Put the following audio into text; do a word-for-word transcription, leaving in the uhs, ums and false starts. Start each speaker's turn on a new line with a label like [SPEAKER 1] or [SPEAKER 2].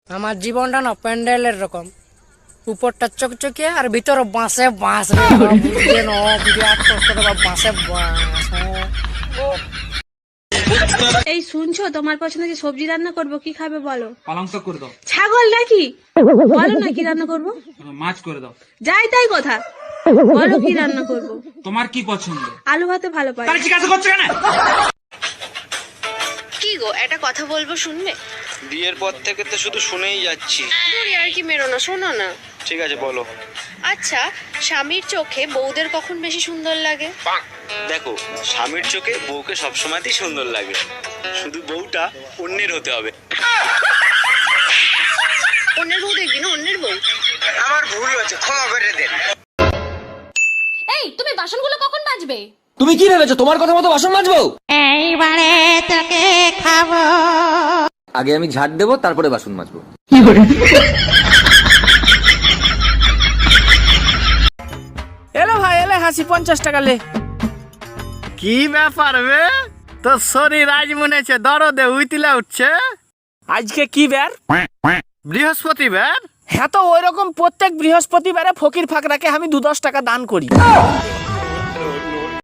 [SPEAKER 1] আমার জীবনটা না প্যান্ডেলের রকম, উপরটা চকচকে আর ভিতরে বাঁশে বাঁশ রে বুঝছেন ও বিরাট কষ্ট রে বাঁশে বাঁশ।
[SPEAKER 2] এই শুনছো, তোমার পছন্দ যে সবজি রান্না করব, কি খাবে বলো?
[SPEAKER 3] পালং শাক করে দাও।
[SPEAKER 2] ছাগল নাকি? বলো না কি রান্না করব।
[SPEAKER 3] মাছ করে দাও।
[SPEAKER 2] যাই তাই কথা, বলো কি রান্না করব।
[SPEAKER 3] তোমার কি পছন্দ?
[SPEAKER 2] আলু ভাতে ভালো পাই।
[SPEAKER 3] তাহলে জিজ্ঞাসা করছো কেন?
[SPEAKER 4] কি গো, একটা কথা বলবো, শুনবে?
[SPEAKER 5] বিয়ের পর থেকে তো শুধু শুনেই যাচ্ছি।
[SPEAKER 4] দূরে আর কি মেরো না, শোনো না।
[SPEAKER 5] ঠিক আছে বলো।
[SPEAKER 4] আচ্ছা, স্বামীর চোখে বউদের কখন বেশি সুন্দর লাগে?
[SPEAKER 5] দেখো, স্বামীর চোখে বউকে সবসময়তেই সুন্দর লাগে, শুধু বউটা অন্যের হতে হবে।
[SPEAKER 4] অন্যের বউ দেখবি না, অন্যের বউ।
[SPEAKER 5] আমার ভুল হয়েছে, ক্ষমা করে দেন।
[SPEAKER 6] এই তুমি বাসনগুলো কখন মাজবে?
[SPEAKER 7] তুমি কি ভেবেছো তোমার কথা মতো বাসন মাজবো?
[SPEAKER 6] এইবারে তোকে খাবো।
[SPEAKER 7] আগে আমি ঝাড় দেবো, তারপরে বাসন মাজবো।
[SPEAKER 1] এলো ভাই এলে হাসি পঞ্চাশ টাকা লে।
[SPEAKER 8] কি ব্যাপার বে, তোর শরীর আজ মনে হচ্ছে দরদে উইতিলা উঠছে।
[SPEAKER 1] আজকে কি বার?
[SPEAKER 8] বৃহস্পতিবার।
[SPEAKER 1] হ্যাঁ তো ওই রকম প্রত্যেক বৃহস্পতিবারে ফকির ফাকরাকে আমি দু দশ টাকা দান করি।